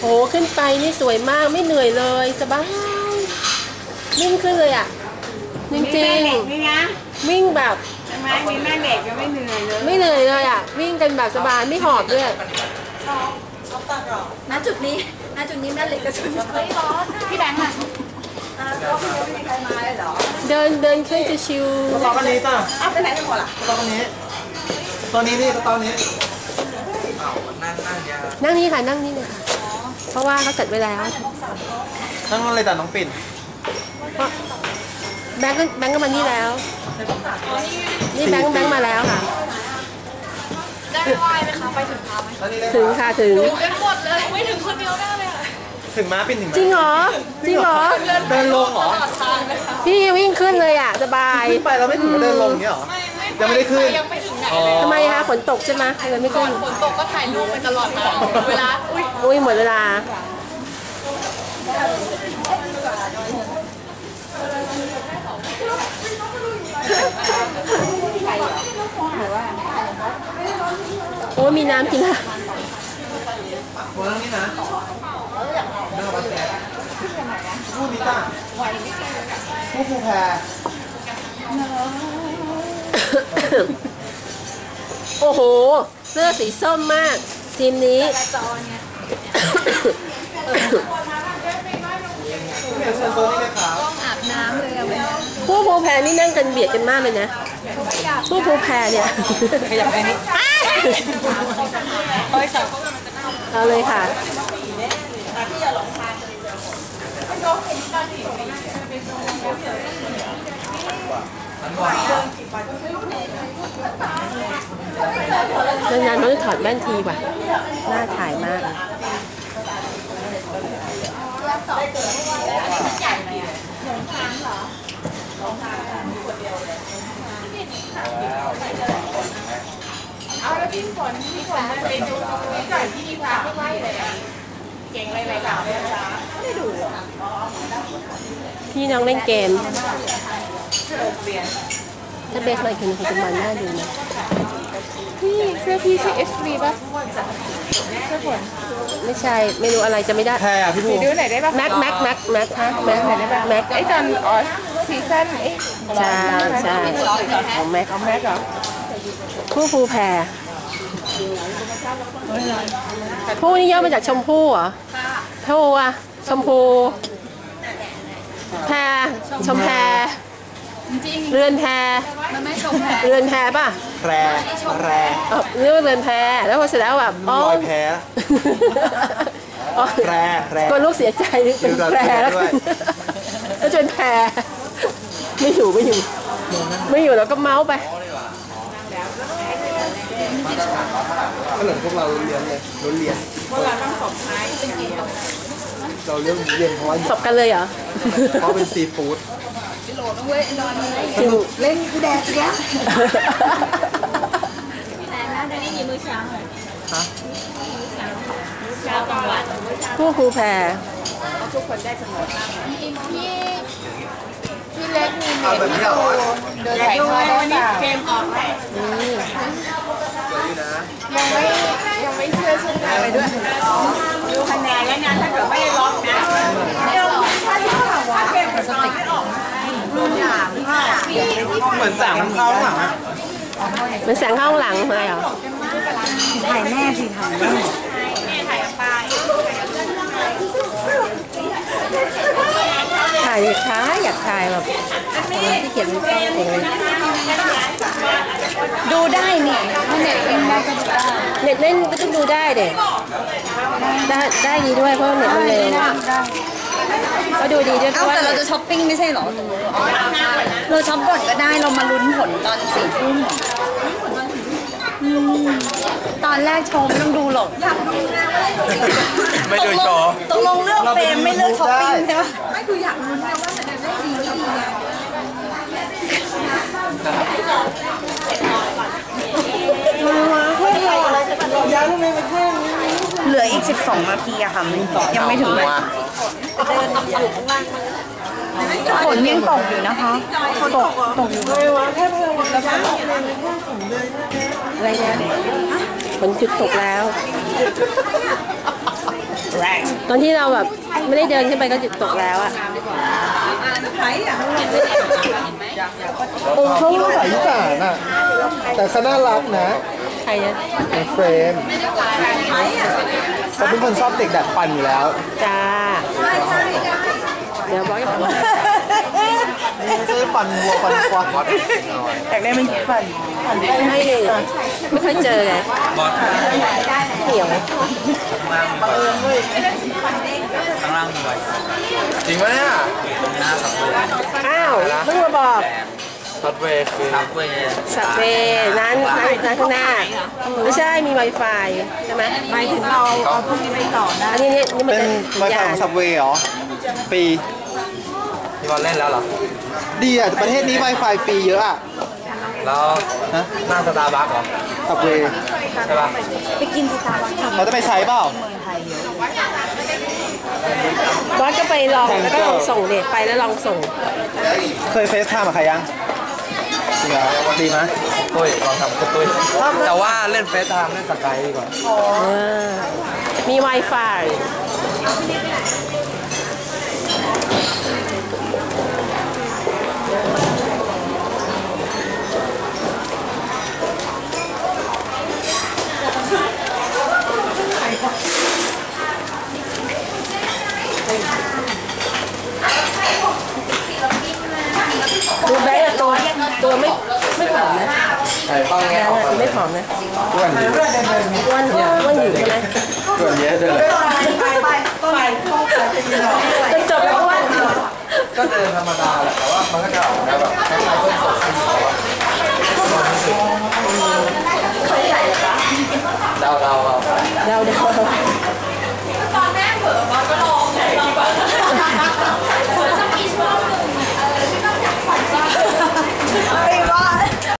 โอ้ขึ้นไปนี่สวยมากไม่เหนื่อยเลยสบายวิ่งขึ้นเลยอ่ะจริงๆวิ่งแบบทำไมมีแม่เหล็กยังไม่เหนื่อยเลยไม่เหนื่อยเลยอ่ะวิ่งกันแบบสบายไม่หอบด้วยณจุดนี้แม่เหล็กกระชุนไม่ร้อนพี่แบงค์อ่ะก็ไม่มีใครมาเลยเหรอเดินขึ้นจะชิวกระเป๋ากันนี้จ้ะไปไหนกันหมดล่ะกระเป๋ากันนี้ตัวนี้นี่กระเป๋านี้นั่งนี่ค่ะนั่งนี่เลยค่ะเพราะว่าเขาจัดไว้แล้วนั่งนั่นเลยจ้ะน้องปิ่นแบงก์ก็มานี่แล้วนี่แบงก์มาแล้วค่ะได้ไหวไหมคะไปถึงพาไหมถึงค่ะถึงกันหมดเลยไม่ถึงคนเดียวได้เลยถึงม้าปิ่นถึงจริงเหรอเดินลงเหรอพี่วิ่งขึ้นเลยอ่ะสบายขึ้นไปเราไม่ถึงเดินลงเงี้ยหรอยังไม่ได้ขึ้นยังไม่ถึงไหนเลยทำไมคะฝนตกใช่ไหมเลยไม่ขึ้นฝนตกก็ถ่ายรูปไปตลอดมาเวลาอุ้ยหมดเวลาโอ้มีน้ำกินละโอ้นั่งนี่นะนั่งบัสแกพูดนี่จ้ะพูดภูแพรโอ้โหเสื้อสีส้มมากทีมนี้ต้องอาบน้ำเลยผู้ภูแพรนี่นั่งกันเบียดกันมากเลยนะผู้ภูแพรเนี่ยขยับไปนิดเอาเลยค่ะนานๆเขาจะถอดแว่นทีว่ะน่าถ่ายมากเอาแล้วพี่ฝนไปดูพี่จ่ายพี่พาไม่เลยเก่งอะไรๆแบบไม่ดูพี่น้องเล่นเกมถ้าเบสมาอีกคนคงจะมันน่าดูนะพี่เสื้อพี่ใช่ SV ป่ะเสื้อฝนไม่ใช่ไม่รู้อะไรจะไม่ได้แพรพี่ภูดูไหนได้ป่ะแม็กฮะแม็กไหนได้ป่ะแม็กไอ้ตอนซีซั่นใช่ของแม็กเหรอผู้ภูแพรผู้นี่ย่อมาจากชมพู่เหรอผู้อะชมพูแพรชมแพรเรือนแพมันไม่ชมแพเรือนแพป่ะแพรเรียกว่าเรือนแพแล้วพอเสร็จแล้วแบบอ๋อลอยแพแพรก็ลูกเสียใจเป็นแพรแล้วจนแพรไม่อยู่แล้วก็เมาส์ไปก็เหมือนพวกเราเรียนเลยพวกเราต้องสอบท้ายเป็นกี่เราเรื่องเรียนเพราะว่าสอบกันเลยเหรอเพราะเป็นซีฟู้ดโหลต้องเว้ยนอนเลยเล่นกูแดดเนี้ยแต่น่าจะได้ยินมื้อเช้าเลยฮะเช้ากลางวันผู้ครูแพรทุกคนได้เสมอพี่เล็กมีเมย์เดินถ่ายทอดได้เกมออกไหมยังไม่เชื่อชื่ออะไรด้วยดูคะแนนแล้วงานถ้าเกิดไม่ได้ล็อกนะไม่ล็อกถ้าที่เขาบอกว่าเกมสติกเหมือนแสงมันเข้าหลังอะมันแสงเข้าหลังอะไรเหรอถ่ายแม่สิถ่ายแม่ถ่ายปลาถ่ายช้าอยากถ่ายแบบที่เขียนเป็นเองเลยดูได้เนี่ยถ้าเน็ตเล่นได้ก็ดูได้เน็ตเล่นก็ต้องดูได้เด็กได้ดีด้วยเพราะเน็ตมันเร็วก็ดูดีด้วยเพราะว่าแต่เราจะช้อปปิ้งไม่ใช่หรอเราช้อปก่อนก็ได้เรามาลุ้นผลตอน4 ทุ่มตอนแรกโชว์ไม่ต้องดูหรอกไม่ดูโชว์ตกลงเลือกเฟรมไม่เลือกช้อปปิ้งใช่ไหมไม่คืออยากลุ้นนะว่าจะได้ดีเหลืออีก12 นาทีอะค่ะยังไม่ถึงเลยฝนยังตกอยู่นะคะตกอยู่อะไรเนี่ยฝนจุดตกแล้วตอนที่เราแบบไม่ได้เดินขึ้นไปก็หยุดตกแล้วอะเขาใส่อีสานอ่ะแต่เขาน่ารักนะใครอะเป็นเฟรมเขาเป็นคนชอบเด็กดัดฟันอยู่แล้วจ้าเดี๋ยวบอกให้ฟังไม่ใช่ฟันวัวฟันควายอยากได้มันฟันไม่เลยไม่ค่อยเจอไงเหนียวข้างล่างมีไวจริงไหมเนี่ยอ้าวเพิ่งมาบอกซับเวย์คือทับเวย์สับเวร้านข้างหน้าไม่ใช่มี Wi-Fi ใช่ไหมหมายถึงเราเอาพวกนี้ไปต่อนะอันนี้นี่มันเป็นจะไวไฟของซับเวย์เหรอฟรีพี่บอลเล่นแล้วเหรอดีอ่ะประเทศนี้ Wi-Fi ฟรีเยอะอ่ะแล้วฮะนั่งสตาร์บัคเหรอซับเวย์ใช่ป่ะไปกินสตาร์บัคทำเราจะไปใช้เปล่าบอสก็ไปลองแล้วก็ลองส่งเด็กไปแล้วลองส่งเคยเฟซไทม์กับใครยังจริงเหรอดีไหมตุ้ยลองทำกับตุ้ยแต่ว่าเล่นเฟซไทม์เล่นสกายดีกว่ามี Wi-Fi ดูแบงค์อะตัวไม่ผอมนะไอ้ฟังแบแง่งค์อะตัวไม่ผอมนะอ้วนอยู่อ้วนอยู่ใช่ไหมอ้วนเยอะด้วยเลยจนจบแล้วอ้วนก็เดินธรรมดาแหละแต่ว่ามันก็จะออกแบบคล้ายๆต้นสดเรา